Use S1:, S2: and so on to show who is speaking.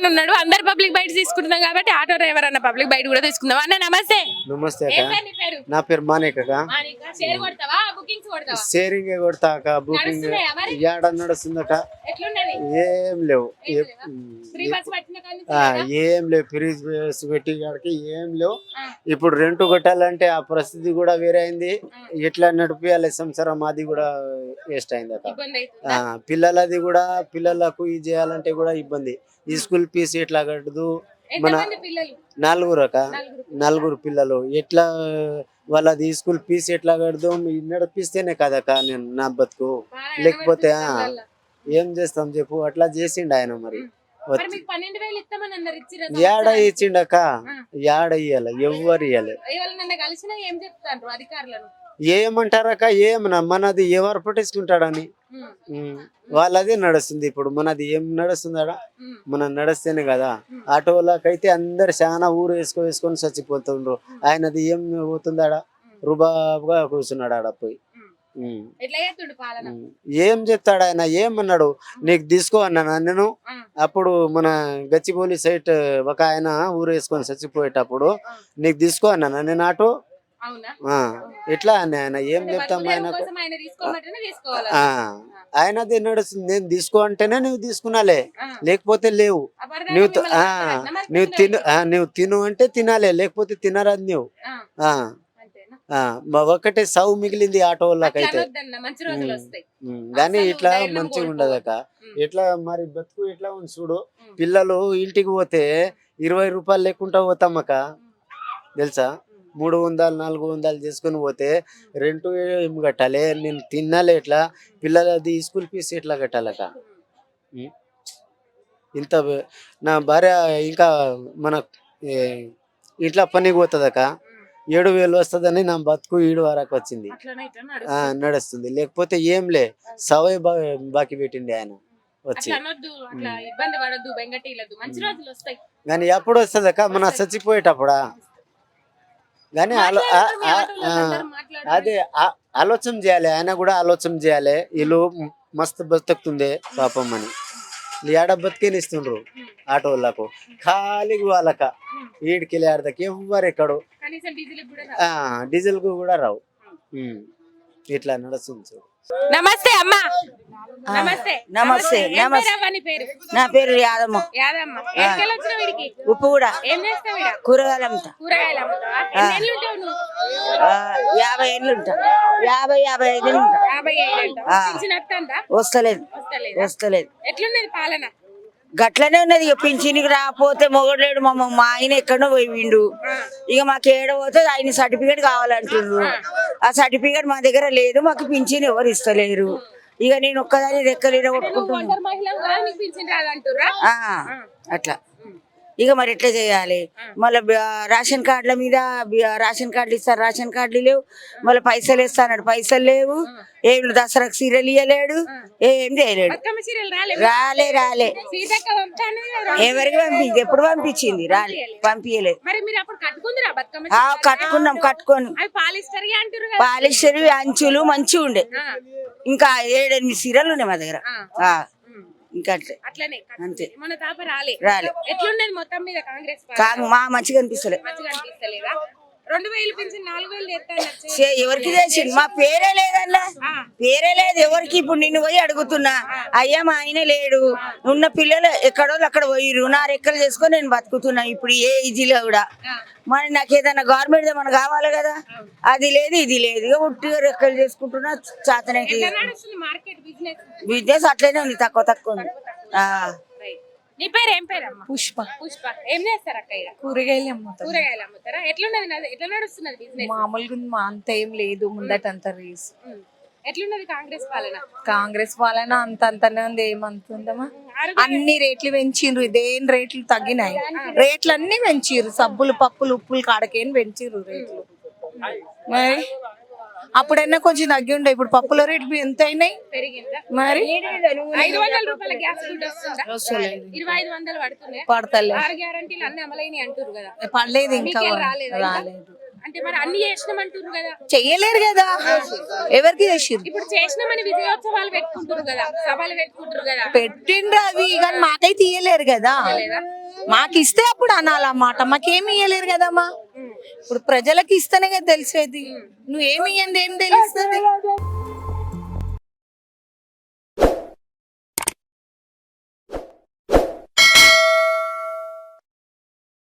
S1: అని ఉన్నాడు. అందరు పబ్లిక్ బైట్ తీసుకుంటున్నాం కాబట్టి ఆటో డ్రైవర్ అన్న పబ్లిక్ బైట్ కూడా తీసుకుందాం. అన్న నమస్తే.
S2: నమస్తే
S1: ఏం
S2: అక్క.
S1: పేరు నీ పేరు?
S2: నా పేరు మానేక్ అక్క.
S1: మాణికా. షేర్ కొడతావా బుకింగ్స్ కొడతావా?
S2: షేరింగ్ కొడతా అక్క. బుకింగ్
S1: నడుస్తున్నాయా మరి?
S2: ఏడ నడుస్తుంది అక్క.
S1: ఎట్లున్నది?
S2: ఏం లేవు.
S1: ఫ్రీ బస్ పట్టిన కాడి నుంచి లేదా?
S2: ఏం లేవు. ఫ్రీజ్ పెట్టి కాడికి ఏం లేవు. ఇప్పుడు రెంట్ కొట్టాలంటే ఆ పరిస్థితి కూడా వేరే అయింది. ఎట్లా నడిపియాలి సంసారం అది కూడా వేస్ట్ అయింది అక్క.
S1: ఇబ్బంది అవుతుందా?
S2: పిల్లలది కూడా పిల్లలకు ఇది చేయాలంటే కూడా ఇబ్బంది. ఈ స్కూల్ ఫీజు ఎట్లా కట్టదు. మన
S1: ఎంతమంది పిల్లలు?
S2: 4 అక్క.
S1: నలుగురు.
S2: 4 పిల్లలు ఎట్లా వాళ్ళది స్కూల్ ఫీజు ఎట్లా కడదాం నడిపిస్తేనే కదక్క నేను నా బతుకు. లేకపోతే ఏం చేస్తాం చెప్పు. అట్లా చేసిండు ఆయన మరి.
S1: మరి మీకు 12,000 ఇస్తామని అన్నారు, ఇచ్చిరా?
S2: ఏడ ఇచ్చిండక్క. ఏడ ఇయ్యాలి ఎవ్వరు ఇయ్యాలి.
S1: ఎవరినన్నా కలిసినా ఏం చెప్తారు అధికారులను?
S2: ఏమంటారక్క ఏమన్నా మనది ఎవరు పట్టించుకుంటాడని. వాళ్ళది నడుస్తుంది. ఇప్పుడు మనది ఏం నడుస్తుందా? మనం నడుస్తేనే కదా. ఆటోలకైతే అందరు చాలా ఊరు వేసుకొని చచ్చిపోతుండ్రు. ఆయనది ఏం పోతుందాడా? రుబాబుగా కూర్చున్నాడు ఆడ పోయి.
S1: ఎట్లా చేస్తుండు పాలన?
S2: ఏం చెప్తాడు ఆయన? ఏమన్నాడు? నీకు తీసుకో అన్నా నేను. అప్పుడు మన గచ్చిబౌలి సైట్ ఒక ఆయన ఊరు వేసుకొని చచ్చిపోయేటప్పుడు నీకు తీసుకో అన్నా నేను ఆటో.
S1: అవునా?
S2: ఎట్లా అని ఆయన ఏం చెప్తాం ఆయన?
S1: కోసం ఆయన తీసుకోమంటేనే తీసుకోవాలి.
S2: ఆయనది నడుస్తుంది. నేను తీసుకో అంటేనే నువ్వు తీసుకున్నాలే, లేకపోతే లేవు. నువ్వు నువ్వు తిను అంటే తినాలే, లేకపోతే తినరాదు నువ్వు. ఒకటే సౌ మిగిలింది ఆటో వాళ్ళకైతే.
S1: మంచి రోజులు వస్తాయి
S2: కానీ ఇట్లా మంచిగా ఉండదు అక్క. ఎట్లా మరి బతుకు ఎట్లా ఉంది చూడు. పిల్లలు ఇంటికి పోతే 20 రూపాయలు లేకుండా పోతామక్క తెలుసా. 300 400 చేసుకుని పోతే రెంట్ ఏం కట్టాలి, నేను తినాలి ఎట్లా, పిల్లలది స్కూల్ ఫీజు ఎట్లా కట్టాలక. ఇంత నా భార్య ఇంకా మన ఇంట్లో పనికి పోతుందక. 7,000 వస్తుందని నా బతుకు 7 వరకు వచ్చింది. నడుస్తుంది. లేకపోతే ఏం లే సవై బాకీ పెట్టిండి ఆయన వచ్చి. కానీ ఎప్పుడు వస్తుందక్క? మన చచ్చిపోయేటప్పుడా? కానీ అదే ఆలోచన చేయాలి. ఆయన కూడా ఆలోచన చేయాలి. వీళ్ళు మస్తు బతుకుతుంది పాపం అని. ఏడ బతికేనిస్తుండ్రు ఆటో వాళ్ళకు. ఖాళీగా వాళ్ళక ఈడికి ఆడదాకి ఎవ్వరు ఎక్కడు. డీజిల్ కు కూడా రావు. ఇట్లా నడుస్తుంది.
S1: నమస్తే అమ్మా. నమస్తే.
S3: నమస్తే. నా పేరు యాదమ్మ. ఉప్పు కూడా కూరగాయలు అమ్ముతా. 50 ఏళ్ళు ఉంటా. 55 ఉంటా. వస్తలేదు.
S1: ఎట్లున్నది పాలన?
S3: గట్లనే ఉన్నది. ఇక పింఛన్కి రాకపోతే మొగలేడు. మా ఆయన ఎక్కడో పోయిండు. ఇక మాకు ఏడపోతే ఆయన సర్టిఫికేట్ కావాలంటున్నారు. ఆ సర్టిఫికేట్ మా దగ్గర లేదు. మాకు పింఛన్ ఎవరు ఇస్తలేరు. ఇక నేను ఒక్కదాన్ని రెక్కలేడ కొట్టుకుంటున్నా. అట్లా ఇక మరి ఎట్లా చేయాలి? మళ్ళీ రేషన్ కార్డుల మీద రేషన్ కార్డులు ఇస్తారు, రేషన్ కార్డులు లేవు. మళ్ళీ పైసలు ఇస్తాడు, పైసలు లేవు. ఏం దసరాకు సీరియల్ ఇవ్వలేడు, ఏం చేయలేడు. రాలే ఎవరికి పంపింది? ఎప్పుడు పంపించింది? పంపించలేదు. కట్టుకొని పాలిస్టర్ అంచులు మంచిగా ఉండే. ఇంకా 7-8 సీరియల్ ఉన్నాయి మా దగ్గర. ఇంకా అట్లనే అంతే. రాలే.
S1: ఎట్లున్నది మొత్తం మీద కాంగ్రెస్?
S3: మా మంచిగా అనిపిస్తలే.
S1: 2,000 పింఛన్ 4,000
S3: ఎవరికి చేసిండు? మా పేరే లేదల్లా, పేరే లేదు ఎవరికి. ఇప్పుడు నిన్ను పోయి అడుగుతున్నా, అయ్యా మా ఆయన లేడు, ఉన్న పిల్లలు ఎక్కడో అక్కడ పోయిరు, నా రెక్కలు చేసుకొని నేను బతుకుతున్నా. ఇప్పుడు ఏ ఈజీలో కూడా మరి నాకు ఏదైనా గవర్నమెంట్ ఏమన్నా కావాలి కదా. అది లేదు, ఇది లేదు. ఇక ఉట్టిగా రెక్కలు చేసుకుంటున్నా. చేతనైతే బిజినెస్ అట్లనే ఉంది, తక్కువ ఉంది.
S1: నీ పేరు ఏం పేరు?
S4: పుష్ప.
S1: ఏం చేస్తారు అక్క?
S4: కూరగాయలు అమ్ముతారు.
S1: కూరగాయలు అమ్ముతారా? ఎట్లా నడుస్తున్నది బిజినెస్?
S4: మామూలుగా అంత ఏం లేదు. ముందట అంత రేస్.
S1: ఎట్లున్నది కాంగ్రెస్ పాలన?
S4: కాంగ్రెస్ పాలన అంతనే ఉంది. ఏమంటుందమ్మా, అన్ని రేట్లు పెంచిండ్రు. ఇదేం రేట్లు తగ్గినాయి? రేట్లు అన్ని పెంచిర్రు. సబ్బులు, పప్పులు, ఉప్పులు కాడకేం పెంచిర్రు రేట్లు. మరి అప్పుడైనా కొంచెం తగ్గి ఉండే. ఇప్పుడు పప్పుల రేట్లు ఎంత అయినాయి మరి?
S1: 500 రూపాయల గ్యాస్
S4: పడతలేదు.
S1: గ్యారంటీలు అన్ని అమలైనవి అంటారు కదా.
S4: పడలేదు, ఇంకా రాలేదు.
S1: అంటే మరి అన్ని చేసినామంటారు కదా.
S4: చెయ్యలేరు కదా, ఎవరికి చేసిర్రు?
S1: ఇప్పుడు చేసినామని విజయోత్సవాలు పెట్టుకుంటారు కదా, సభలు పెట్టుకుంటారు కదా.
S4: పెట్టిండ్రు అవి, కానీ మాకైతే ఇయ్యలేరు కదా. మాకు ఇస్తే అప్పుడు అనాలన్నమాట, మాకేమి ఇయ్యలేరు కదమ్మా. ఇప్పుడు ప్రజలకు ఇస్తేనే కదా తెలిసేది, నువ్వేమి ఇయ్యండి ఏం తెలుస్తుంది?